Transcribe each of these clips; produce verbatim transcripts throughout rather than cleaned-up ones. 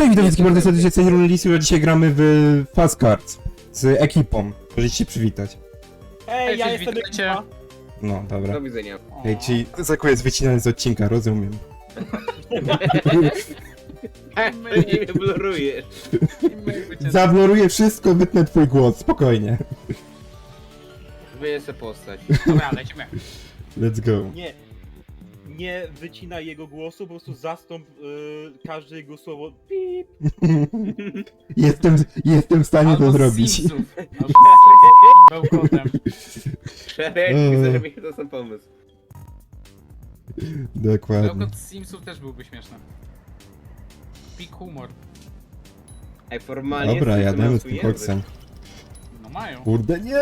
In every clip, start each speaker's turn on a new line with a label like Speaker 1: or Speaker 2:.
Speaker 1: Cześć, witam wszystkich bardzo serdecznie, z tej Lisu, a dzisiaj gramy w Fast Cards z ekipą. Możecie się przywitać.
Speaker 2: Ej, ja
Speaker 3: Cześć,
Speaker 2: jestem
Speaker 3: witajcie.
Speaker 2: ekipa.
Speaker 1: No, dobra.
Speaker 4: Do widzenia.
Speaker 1: Ej, czyli Zaku jest wycinany z odcinka, rozumiem.
Speaker 4: Nie mnie blurujesz.
Speaker 1: Zabloruję wszystko, wytnę twój głos, spokojnie.
Speaker 4: Wyję se postać.
Speaker 3: Dobra, lecimy.
Speaker 1: Let's go.
Speaker 2: Nie, nie wycinaj jego głosu, po prostu zastąp y, każde jego słowo. Pip.
Speaker 1: Jestem, jestem w stanie
Speaker 3: Albo
Speaker 1: to
Speaker 3: z
Speaker 1: zrobić.
Speaker 3: Simsów. Albo z bełkotem.
Speaker 4: Szereg,
Speaker 1: Eee.
Speaker 4: widzę, że mi to sam pomysł.
Speaker 1: Dokładnie.
Speaker 3: Bełkot z Simsów też byłby śmieszny. Pik humor.
Speaker 4: Ej, formalnie...
Speaker 1: Dobra,
Speaker 4: jesteś
Speaker 1: jademy
Speaker 4: na
Speaker 1: z
Speaker 4: swój
Speaker 1: tym koksem.
Speaker 3: No mają.
Speaker 1: Kurde, nie!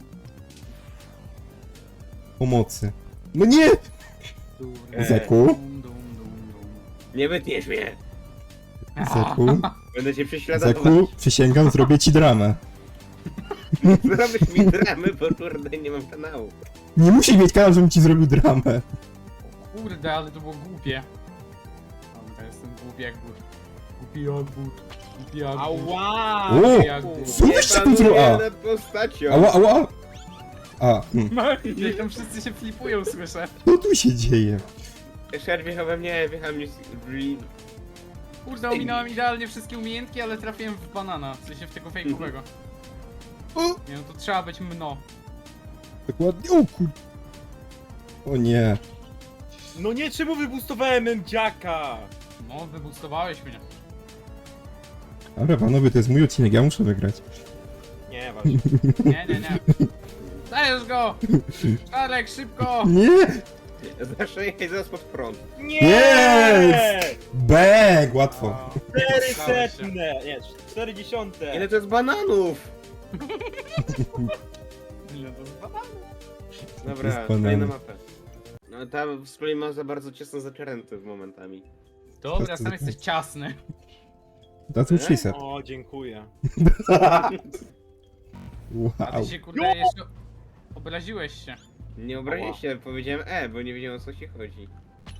Speaker 1: Pomocy. No nie!
Speaker 4: Eee.
Speaker 1: Zaku?
Speaker 3: Dum, dum, dum, dum.
Speaker 4: Nie wytniesz mnie.
Speaker 1: Zaku?
Speaker 4: Będę cię prześladować.
Speaker 1: Zaku, przysięgam, zrobię ci dramę.
Speaker 4: Zrobisz mi dramy, bo kurde nie mam kanału.
Speaker 1: Nie musisz mieć kanał, żebym ci zrobił dramę.
Speaker 3: O kurde, ale to było głupie. Dobra, jestem głupi jak but. Głupi jak but. Głupi jak but.
Speaker 2: Ała!
Speaker 1: O!
Speaker 3: Głupi jak but.
Speaker 1: Co
Speaker 4: Nie
Speaker 1: wyście tu zrobił?
Speaker 4: panuję
Speaker 1: A,
Speaker 4: nad postacią.
Speaker 1: ała, ała! A, hmm.
Speaker 3: I tam wszyscy się flipują, słyszę.
Speaker 1: Co tu się dzieje?
Speaker 4: Szer wjechał we mnie, wjechał mnie... z-
Speaker 3: Kurde, ominąłem idealnie wszystkie umiejętki, ale trafiłem w banana. W sensie w tego fejkowego.
Speaker 1: O!
Speaker 3: Nie no, to trzeba być mno.
Speaker 1: Dokładnie, o kur... O nie.
Speaker 2: No nie, czemu wybustowałem M-dziaka?
Speaker 3: No, wybustowałeś mnie.
Speaker 1: Dobra, panowie, to jest mój odcinek, ja muszę wygrać.
Speaker 2: Nie, właśnie.
Speaker 3: Nie, nie, nie. Dajesz go! Czarek, szybko!
Speaker 1: Nie!
Speaker 4: Zawsze jechać zaraz pod prąd.
Speaker 2: Nie!
Speaker 1: Jest! Bang! Łatwo.
Speaker 2: Cztery
Speaker 3: Stałeś się.
Speaker 2: setne! Nie, cztery dziesiąte!
Speaker 4: Ile to jest bananów?
Speaker 3: Ile to jest bananów?
Speaker 4: Dobra,
Speaker 1: Jest
Speaker 4: kolejna
Speaker 1: banan.
Speaker 4: mapa. No ta z kolei ma za bardzo ciasno zaczeręty w momentami.
Speaker 3: Dobra, sam jesteś ciasny.
Speaker 1: That's what she said.
Speaker 2: O, dziękuję.
Speaker 3: A
Speaker 1: Wow.
Speaker 3: ty się kurde jeszcze obraziłeś się.
Speaker 4: Nie obraźcie się, powiedziałem E, bo nie wiedziałem o co ci chodzi.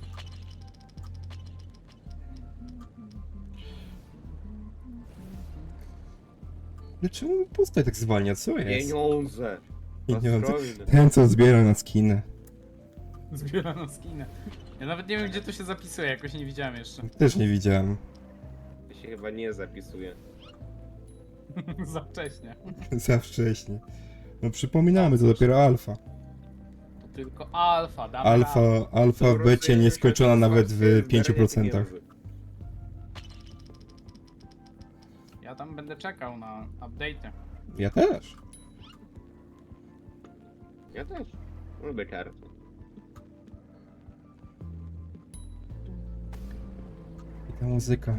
Speaker 1: Dlaczego mi postać tak zwalnia? Co jest?
Speaker 4: Pieniądze!
Speaker 1: Pieniądze.
Speaker 4: Ostrowiny.
Speaker 1: Ten, co zbiera na skiny.
Speaker 3: Zbiera na skinę. Ja nawet nie wiem gdzie to się zapisuje, jakoś nie widziałem jeszcze.
Speaker 1: Też nie widziałem.
Speaker 4: To się chyba nie zapisuje.
Speaker 3: Za wcześnie.
Speaker 1: Za wcześnie. No przypominamy, to dopiero alfa.
Speaker 3: To tylko alfa, damy
Speaker 1: Alfa,
Speaker 3: radę.
Speaker 1: alfa w becie nieskończona nawet w pięciu procentach.
Speaker 3: Ja tam będę czekał na update'y.
Speaker 1: Ja też.
Speaker 4: Ja też. Lubię karty.
Speaker 1: I ta muzyka.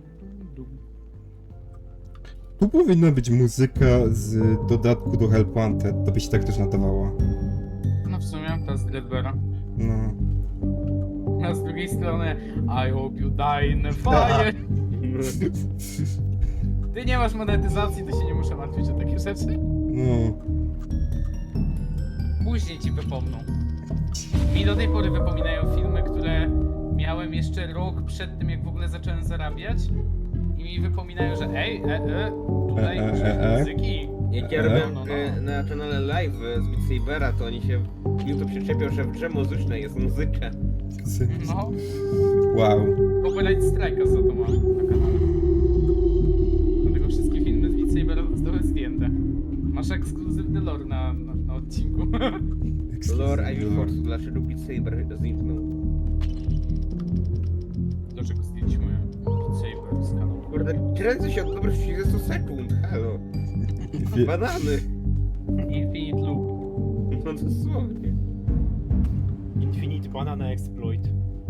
Speaker 1: Tu powinna być muzyka z dodatku do Help Wanted, to by się tak też nadawało.
Speaker 3: No w sumie, ta z Dreadbera.
Speaker 1: No.
Speaker 3: A z drugiej strony I hope you die in a fire. Ty nie masz monetyzacji, to się nie muszę martwić o takie rzeczy.
Speaker 1: No.
Speaker 3: Później ci wypomną. Mi do tej pory wypominają filmy, które miałem jeszcze rok przed tym, jak w ogóle zacząłem zarabiać. I mi wypominają, że ej, e, e, tutaj
Speaker 1: E, e,
Speaker 3: użyj
Speaker 1: e, e.
Speaker 3: muzyki.
Speaker 4: Jak ja
Speaker 1: E?
Speaker 4: robiłem
Speaker 3: No, no,
Speaker 4: e,
Speaker 3: no.
Speaker 4: na kanale live z Beat Sabera, to oni się... YouTube się czepiał, że w grze muzycznej jest muzyka.
Speaker 3: No,
Speaker 1: Wow.
Speaker 3: copyright strike'a za to mam na kanale. Dlatego wszystkie filmy z Beat Sabera zostały zdjęte. Masz ekskluzywny lore na, na, na odcinku.
Speaker 4: Lore I Will Force, dlaczego Beat Saber zniknął.
Speaker 3: Dlaczego zdjęliśmy Beat Saber z kanału?
Speaker 4: Kurde, kręcę się od dobrych trzydziestu sekund, halo.
Speaker 1: Wie-
Speaker 4: Banany.
Speaker 3: Infinite Loop.
Speaker 4: No dosłownie.
Speaker 2: Infinite Banana Exploit.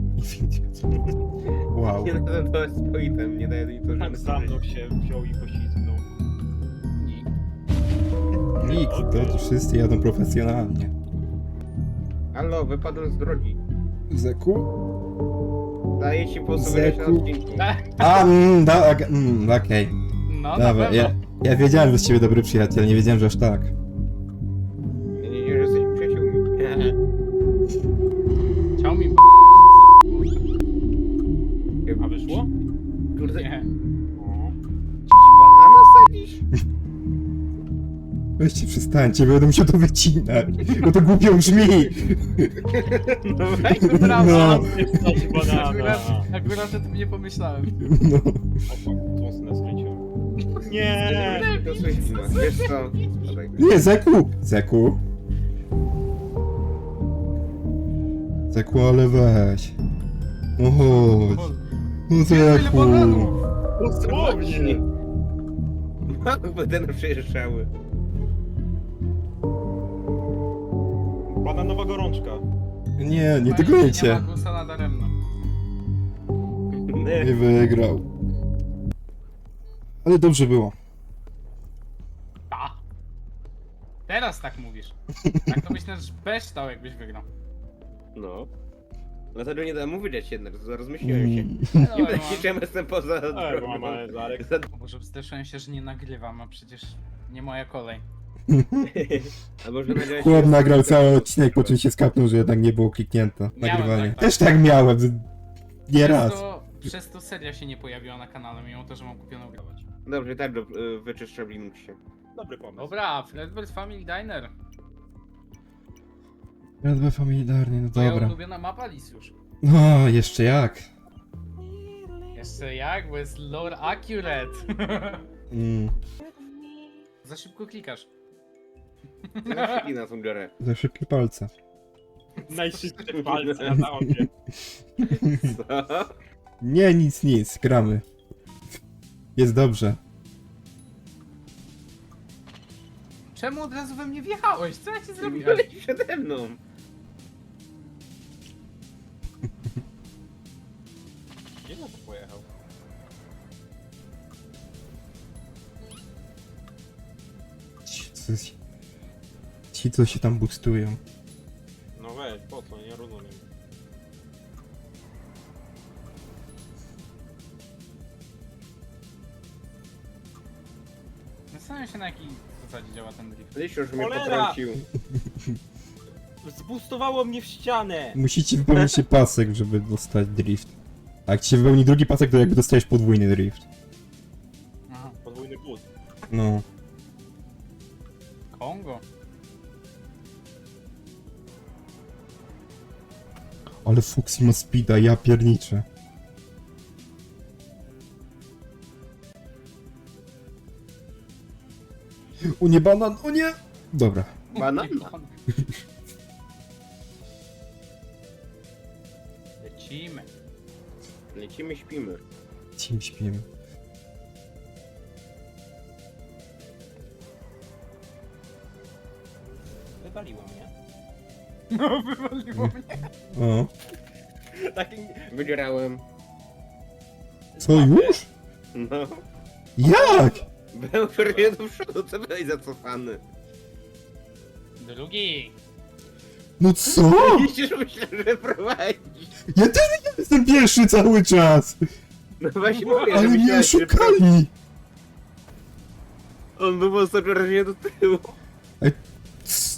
Speaker 1: Wow.
Speaker 4: Nie nada to exploitem, nie daje mi to
Speaker 2: Tak
Speaker 4: żadnych
Speaker 2: za mną się wziął i poślizgnął.
Speaker 3: Nikt.
Speaker 1: Nikt, to wszyscy jadą profesjonalnie.
Speaker 4: Halo, wypadłem z drogi.
Speaker 1: Zeku?
Speaker 4: Daję ci posłuchać na
Speaker 1: Zeku.
Speaker 4: odcinku.
Speaker 1: A, mm, da, ok, mm, okej.
Speaker 3: No, na
Speaker 1: Dobra,
Speaker 3: pewno.
Speaker 1: ja, ja wiedziałem, że z ciebie dobry przyjaciel, nie wiedziałem, że aż tak.
Speaker 4: Ja nie wiem, że jesteś przyjaciółmi.
Speaker 3: Chciał mi banana jeszcze wsadzić.
Speaker 2: A wyszło?
Speaker 4: Kurde,
Speaker 3: Nie.
Speaker 4: Banana sadzisz?
Speaker 1: Weźcie, przestańcie, będę musiał to wycinać, bo to głupio brzmi.
Speaker 4: No weź.
Speaker 1: No,
Speaker 3: Akurat, akurat o tym nie pomyślałem.
Speaker 1: no.
Speaker 2: Mocno skręciłem. Nie!
Speaker 4: To słyszimy. Wiesz co? Dawaj.
Speaker 1: Nie, Zeku! Zeku? Zeku, ale weź. No chodź. No
Speaker 3: Ile
Speaker 1: Zeku.
Speaker 3: bananów?
Speaker 2: Dosłownie!
Speaker 4: Małe badane przejeżdżały.
Speaker 2: Bananowa gorączka.
Speaker 1: Nie, nie
Speaker 3: Nie
Speaker 1: tyglejcie.
Speaker 3: ma gusa nadaremno.
Speaker 1: Nie wygrał. Ale dobrze było.
Speaker 3: A. Teraz tak mówisz. Tak to myślę, że byś stał, jakbyś wygrał.
Speaker 4: No. Dlatego nie dałem mu wydać jednak, rozmyśliłem się.
Speaker 1: Mm.
Speaker 3: No,
Speaker 4: Nie
Speaker 3: no,
Speaker 4: będę się jestem poza
Speaker 2: Ej,
Speaker 4: drogą.
Speaker 2: mama, Zarek.
Speaker 4: Za-
Speaker 3: O Boże, zderzyłem się, że nie nagrywam, a przecież nie moja kolej.
Speaker 4: A może nagrałeś...
Speaker 1: Chłop nagrał cały odcinek, po czym się skapnął, że jednak nie było kliknięte
Speaker 3: Miałem
Speaker 1: nagrywanie.
Speaker 3: tak, tak.
Speaker 1: Też tak miałem. Nie
Speaker 3: Przez
Speaker 1: raz.
Speaker 3: to, przez to seria się nie pojawiła na kanale, mimo to, że mam kupioną grę.
Speaker 4: Dobrze, tak, do, y, wyczyszczę linux się.
Speaker 2: Dobry pomysł.
Speaker 3: Dobra, Fredbird Family Diner.
Speaker 1: Jadwe familiarnie, no
Speaker 3: Moja
Speaker 1: dobra.
Speaker 3: ulubiona mapa, Lisiusz.
Speaker 1: No, jeszcze jak.
Speaker 3: Jeszcze jak, bo jest lore accurate.
Speaker 1: Mm.
Speaker 3: Za szybko klikasz.
Speaker 4: Zaraz na tą biorę.
Speaker 1: Za szybkie palce.
Speaker 2: Najszybsze palce na mapie.
Speaker 4: Co?
Speaker 1: Nie, nic, nic, gramy. Jest dobrze.
Speaker 3: Czemu od razu we mnie wjechałeś? Co ja ci zrobiłem?
Speaker 4: Byłeś przede mną.
Speaker 2: Gdzie on tu pojechał?
Speaker 1: Ci, co, ci, co się tam boostują.
Speaker 2: No weź, po co? Nie rozumiem.
Speaker 3: Zastanawiam się, na jakiej zasadzie działa ten drift.
Speaker 4: Liś już mnie
Speaker 2: Cholera!
Speaker 4: potrącił.
Speaker 2: Zbustowało mnie w ścianę!
Speaker 1: Musicie wypełnić się pasek, żeby dostać drift. A jak ci się wypełni drugi pasek, to jakby dostajesz podwójny drift.
Speaker 3: Aha.
Speaker 2: Podwójny boost.
Speaker 1: No.
Speaker 3: Kongo.
Speaker 1: Ale Fuxi ma speeda, ja pierniczę. O nie, banan, o nie! Dobra.
Speaker 4: Banan?
Speaker 3: Lecimy.
Speaker 4: Lecimy, śpimy.
Speaker 1: Cim śpimy.
Speaker 2: Wywaliło mnie.
Speaker 3: No, wywaliło mnie.
Speaker 1: O.
Speaker 2: Tak...
Speaker 4: Wydzierałem.
Speaker 1: Co, już?
Speaker 4: No.
Speaker 1: Jak?
Speaker 4: Był przerwie do przodu, co byłeś zacofany?
Speaker 3: Drugi.
Speaker 1: No co?
Speaker 4: Jeśli myślę, że prowadzisz.
Speaker 1: Ja też jestem pierwszy cały czas!
Speaker 4: No właśnie mówię,
Speaker 1: Ale
Speaker 4: że
Speaker 1: mnie
Speaker 4: myślałeś, że
Speaker 1: oszukali!
Speaker 4: on był mocno przerażenie do tyłu.
Speaker 1: C-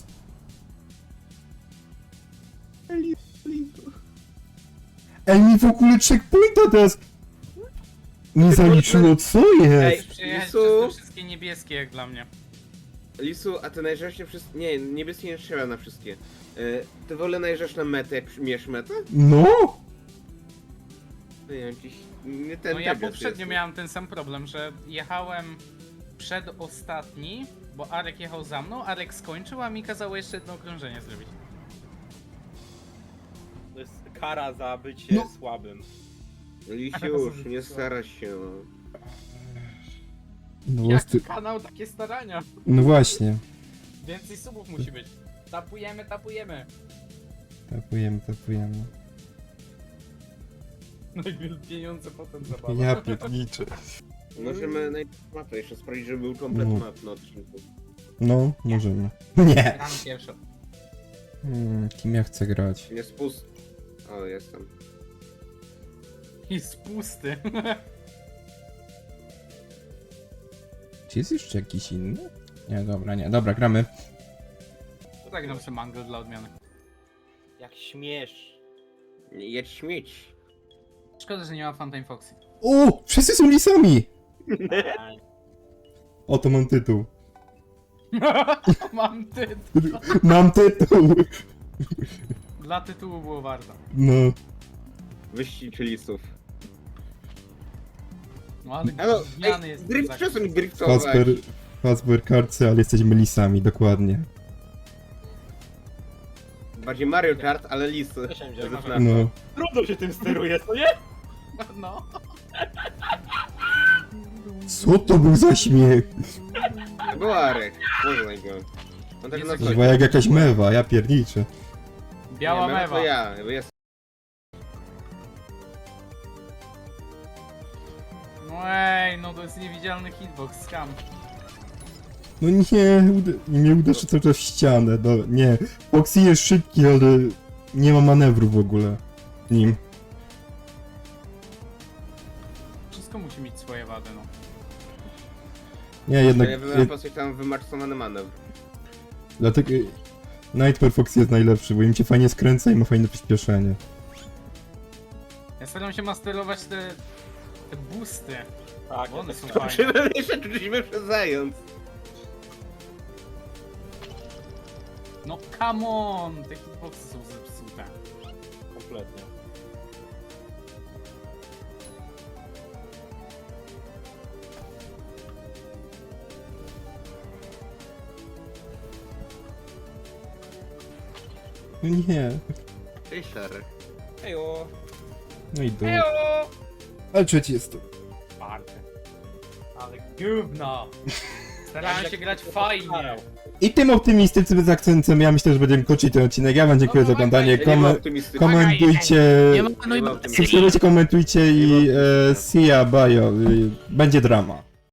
Speaker 1: Ej, mi w ogóle checkpointa teraz nie zaliczyło, co
Speaker 4: Ej,
Speaker 1: jest?
Speaker 3: Przejechać
Speaker 4: Lisu?
Speaker 3: przez te wszystkie niebieskie, jak dla mnie.
Speaker 4: Lisu, a ty najeżdżasz się wszystkie... Nie, niebieskie nie strzela na wszystkie. Y, ty wolę najeżdżasz na metę, jak mierz metę?
Speaker 1: No?
Speaker 4: Nie wiem, jakiś... Nie ten
Speaker 3: No ja
Speaker 4: teges
Speaker 3: poprzednio
Speaker 4: jest.
Speaker 3: miałem ten sam problem, że jechałem przedostatni, bo Arek jechał za mną, Arek skończył, a mi kazało jeszcze jedno okrążenie zrobić.
Speaker 2: To jest kara za bycie
Speaker 1: No.
Speaker 2: słabym.
Speaker 4: Lisiusz, nie starasz się. no.
Speaker 1: No,
Speaker 3: Jaki
Speaker 1: ty...
Speaker 3: kanał, takie starania.
Speaker 1: no właśnie.
Speaker 3: Więcej subów musi być. Tapujemy, tapujemy.
Speaker 1: Tapujemy, tapujemy.
Speaker 3: Najpierw pieniądze, potem zabawa.
Speaker 1: Ja pierniczę.
Speaker 4: Możemy najpierw mapę jeszcze sprawdzić, żeby był komplet
Speaker 1: No.
Speaker 4: map na odcinku.
Speaker 1: No, możemy. Nie!
Speaker 3: Gram pierwszy.
Speaker 1: Hmm, kim ja chcę grać?
Speaker 4: Nie spust... O, jestem.
Speaker 3: Jest pusty.
Speaker 1: Czy jest jeszcze jakiś inny? Nie, dobra, nie. Dobra, gramy.
Speaker 3: To tak gram sobie mango dla odmiany.
Speaker 2: Jak śmiesz.
Speaker 4: Nie jedź śmieć.
Speaker 3: Szkoda, że nie ma Funtime Foxy.
Speaker 1: O! Wszyscy są lisami! Oto mam tytuł.
Speaker 3: Mam tytuł.
Speaker 1: Mam tytuł!
Speaker 3: Dla tytułu było warto.
Speaker 1: No.
Speaker 4: Wyścig lisów.
Speaker 3: No ale
Speaker 4: Elo,
Speaker 3: zmiany
Speaker 4: ej,
Speaker 3: jest
Speaker 4: drift,
Speaker 3: tak.
Speaker 4: przestań driftować.
Speaker 1: Fazbear, Fazbear kartce, ale jesteśmy lisami, dokładnie.
Speaker 4: Bardziej Mario Kart, ale lisy.
Speaker 2: Też nie wiem,
Speaker 4: Zaznacza.
Speaker 1: No.
Speaker 2: Trudno się tym steruje, co nie?
Speaker 3: No.
Speaker 1: Co to był za śmiech?
Speaker 4: To był Arek, poznaj go. On tak
Speaker 3: Jest
Speaker 4: na
Speaker 3: jakiś-
Speaker 1: Chyba jak jakaś mewa, ja pierniczę.
Speaker 3: Biała
Speaker 4: nie,
Speaker 3: mewa.
Speaker 4: To ja, jest.
Speaker 3: No ej, no to jest niewidzialny hitbox, skam.
Speaker 1: No nie, uda nie uderzy cały czas w ścianę, no nie. Foxy jest szybki, ale nie ma manewru w ogóle nim.
Speaker 3: Wszystko musi mieć swoje wady, no.
Speaker 1: Nie, jednak...
Speaker 4: Ja wybrałem po coś tam wymaksowany manewr.
Speaker 1: Dlatego... Nightmare Fox jest najlepszy, bo im cię fajnie skręca i ma fajne przyspieszenie.
Speaker 3: Ja staram się masterować te... te boosty.
Speaker 2: Tak,
Speaker 3: Bo one
Speaker 2: ja
Speaker 3: są
Speaker 2: tak-
Speaker 3: fajne.
Speaker 4: Czy jeszcze czuliśmy przez zając?
Speaker 3: No come on! Te hitboxy są zepsute.
Speaker 2: kompletnie.
Speaker 1: No nie.
Speaker 4: Cześć, Szary.
Speaker 2: Ejo.
Speaker 1: No i do.
Speaker 3: Ejo!
Speaker 1: Ale trzeci jest to.
Speaker 3: Czwarty. Ale gówno! Starałem się grać fajnie.
Speaker 1: I tym optymistycznym akcentem ja myślę, że będziemy kończyć ten odcinek. Ja wam dziękuję
Speaker 3: No,
Speaker 1: za
Speaker 3: no,
Speaker 1: oglądanie.
Speaker 4: Ja nie byłem
Speaker 1: Kom
Speaker 4: optymistyczny.
Speaker 1: komentujcie.
Speaker 3: Nie ma, no i
Speaker 4: Nie ma
Speaker 3: bo-
Speaker 4: optymizmu.
Speaker 1: Subskrybujcie, komentujcie i e, see ya, bye. Będzie drama.